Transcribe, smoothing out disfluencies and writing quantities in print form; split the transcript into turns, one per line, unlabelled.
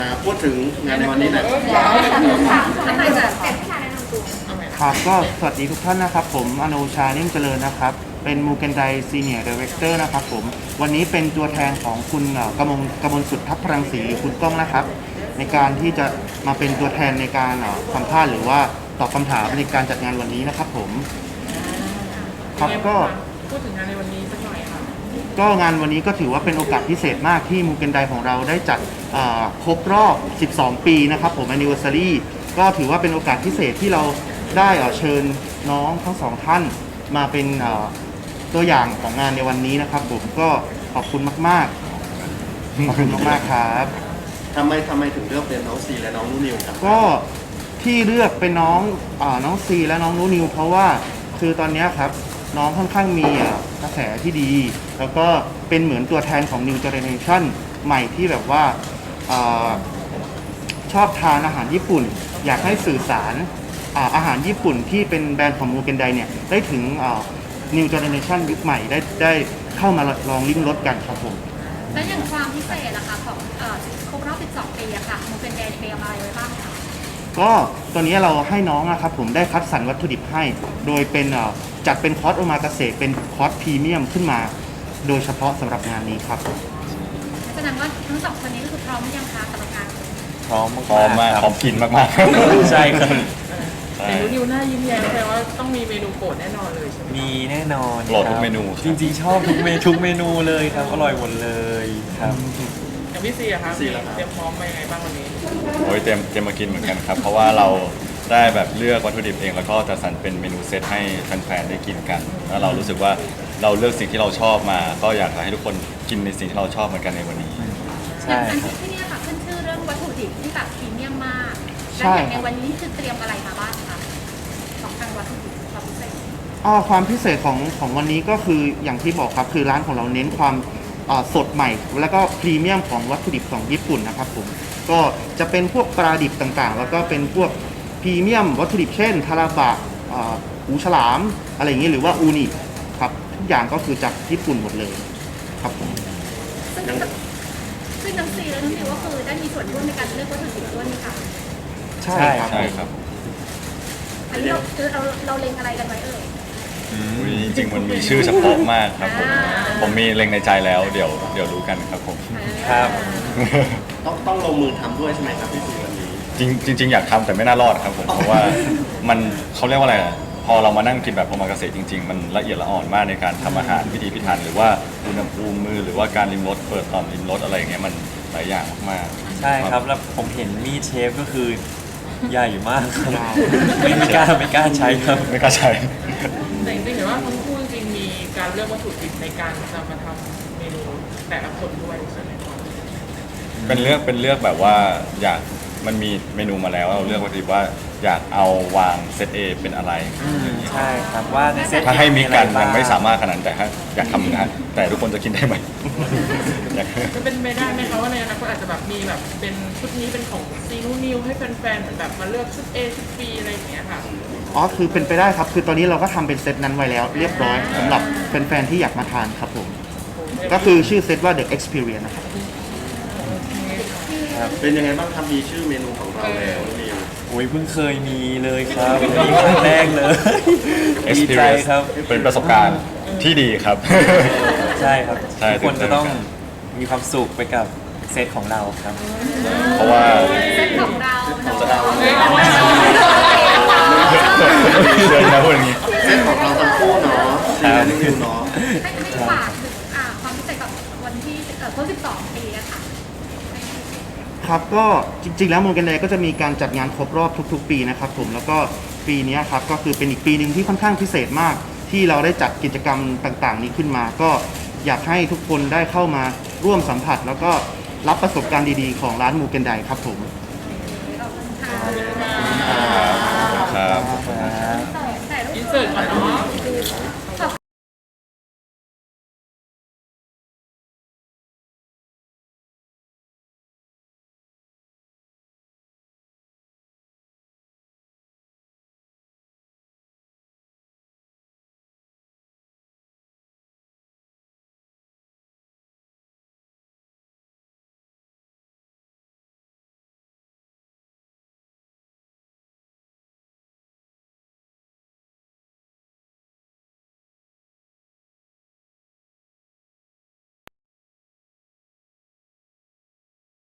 พูดถึงงานในวันนี้หน่อย
ครับก็สวัสดีทุกท่านนะครับผมอโนชาเลี่ยมเจริญนะครับเป็นมูเกนไดซีเนียร์ดีเรคเตอร์นะครับผมวันนี้เป็นตัวแทนของคุณกมลสุดทัพพลังศรีหรือคุณก้องนะครับในการที่จะมาเป็นตัวแทนในการสัมภาษณ์หรือว่าตอบคำถามในการจัดงานวันนี้นะครับผมครับก็
พูดถึงงานในวันนี้สักหน่อยค่ะ
ก็งานวันนี้ก็ถือว่าเป็นโอกาสพิเศษมากที่มูเกนไดของเราได้จัดครบรอบ 12 ปีนะครับผม anniversary ก็ถือว่าเป็นโอกาสพิเศษที่เราได้เชิญน้องทั้งสองท่านมาเป็นตัวอย่างของงานในวันนี้นะครับผมก็ขอบคุณมากๆขอบคุณมากๆครับ
ทำไมถึงเลือกเป็นน้องซีและน้องนุ่นนิวครับ
ก็ที่เลือกเป็นน้องซีและน้องนุ่นนิวเพราะว่าคือตอนนี้ครับน้องค่อนข้างมีกระแสที่ดีแล้วก็เป็นเหมือนตัวแทนของ New Generation ใหม่ที่แบบว่าชอบทานอาหารญี่ปุ่นอยากให้สื่อสารอาหารญี่ปุ่นที่เป็นแบรนด์ของมูเกนไดเนี่ยได้ถึงNew Generation ยุคใหม่ได้เข้ามาลองลิ้มรสกันครับผม
และอย่างความพิเศษนะคะของครบรอบ 12 ปีอะค่ะมูเกนไดเตรียมอะไรไว้บ้างคะ
ก็ตอนนี้เราให้น้องนะครับผมได้คัดสรรวัตถุดิบให้โดยเป็นจัดเป็นคอร์สโอมากาเสะเป็นคอร์สพรีเมียมขึ้นมาโดยเฉพาะสำหรับงานนี้ครับ
แสดงว่าทั้งสองคนนี้ก็คือพร้อมหรือยังคะสำหรับงาน
พร้อมมากพร้อมกินมากๆใช่ครับ
เห็นนิวหน้ายิ้มแย้มแปลว่าต้องมีเมนูโปรดแน่นอนเลยใช่ไหม
มีแน่นอน
โปรดทุกเมนู
จริงๆชอบทุกเมนูเลยครับอร่อยหมดเลยครับ
อย่างพี่ซีอะครับเตรียมพร้อมมายังไงบ้างวันนี้
โอ้ยเตรียมมากินเหมือนกันครับเพราะว่าเราได้แบบเลือกวัตถุดิบเองแล้วก็จะสรรเป็นเมนูเซตให้แฟนๆได้กินกันแล้วเรารู้สึกว่าเราเลือกสิ่งที่เราชอบมาก็อยากให้ทุกคนกินในสิ่งที่เราชอบเหมือนกันในวันนี้
ใช่ครับที่นี่ค่ะขึ้นชื่อเรื่องวัตถุดิบที่แบบพรีเมียมมากและอย่างในวันนี้คือเตรียมอะไรมาบ้างคะของทางวัตถุดิบความพิเศษ
ความพิเศษของวันนี้ก็คืออย่างที่บอกครับคือร้านของเราเน้นความสดใหม่แล้วก็พรีเมียมของวัตถุดิบของญี่ปุ่นนะครับผมก็จะเป็นพวกปลาดิบต่างๆแล้วก็เป็นพวกพรีเมียมวัตถุดิบเช่นทาราบะหูฉลามอะไรอย่างนี้หรือว่าอูนิครับทุกอย่างก็คือจากญี่ปุ่นหมดเลยครับผม
ซึ่งน้ำซีและน้ำนิวก็คือได้มีส่วนร่วมในการเลือกวัตถุดิบด้วยนี่ค่ะ
ใช่ครับ
อันนี้เราเล็งอะไรกันไว้เอ่ย
จริงๆมันมีชื่อเฉพาะมากครับผมมีเล็งในใจแล้วเดี๋ยวรู้กันครับผม
ครับ
ต้องลงมือทำด้วยใช่ไหมครับพี่ซีวันนี้จริงอยากทำแต่ไม่น่ารอดครับผมเพราะว่ามันเขาเรียกว่าอะไรพอเรามานั่งกินแบบโอมากาเสะจริงๆมันละเอียดละอ่อนมากในการทำอาหารพิถีพิถันหรือว่าอุณหภูมิมือหรือว่าการริมรสเปิดต่อมริมรสอะไรอย่างเงี้ยมันหลายอย่างมาก
ๆใช่ครับแล้วผมเห็นมีดเชฟก็คือใหญ่มากไม่กล้าใช้ครับ
ไม่กล้าใช้
แต่จริงๆเห็นว่าทั้งคู่จริงๆมีการเลือกวัตถุดิบในการนำมาทำเมนูแต่ละคนด้วยใช่ไหมครับ
เป็นเลือกแบบว่าอยากมันมีเมนูมาแล้วเราเลือกวัตถุดิบว่าอยากเอาวางเซต A เป็นอะไร
ใช่ครับว่าในเซต
ถ้าให้มีกันยังไม่สามารถขนาดแต่อยากทำนะแต่ทุกคนจะกินได้ไหม
จะเป็นไปได้ไหมคะว่าในอนาคตอาจจะแบบมีแบบเป็นชุดนี้เป็นของซีนูนิวให้แฟนๆเหมือนแบบมาเลือกชุด A ชุด B อะไรอย่างเงี้ยค่ะ
คือเป็นไปได้ครับคือตอนนี้เราก็ทำเป็นเซตนั้นไว้แล้วเรียบร้อยสำหรับแฟนๆที่อยากมาทานครับผมก็คือชื่อเซตว่า The Experience นะครับ
เป็นยังไงบ้างครับมีชื่อเมนูของเราแล้วนิว
โอ้ยเพิ่งเคยมีเลยครับมีครั้งแรกเลยดีใจครับ
เป็นประสบการณ์ที่ดีครับ
ใช่ครับทุกคนจะต้องมีความสุขไปกับเซตของเราครับ
เพราะว่า
เซตของเรา
เดินมาพูดอย่างนี้เซตของเราทั้งคู่เนาะใช่นิวเนาะ
ให้ฝากความพิเศษกับวันที่ครบ 12 ปีอะค่ะ
ครับก็จริงๆแล้วมูเกนไดก็จะมีการจัดงานครบรอบทุกๆปีนะครับผมแล้วก็ปีนี้ครับก็คือเป็นอีกปีหนึ่งที่ค่อนข้างพิเศษมากที่เราได้จัดกิจกรรมต่างๆนี้ขึ้นมาก็อยากให้ทุกคนได้เข้ามาร่วมสัมผัสแล้วก็รับประสบการณ์ดีๆของร้านมูเกนไดครับผม
ครับ
อินเสิร์ตก่อนเนาะ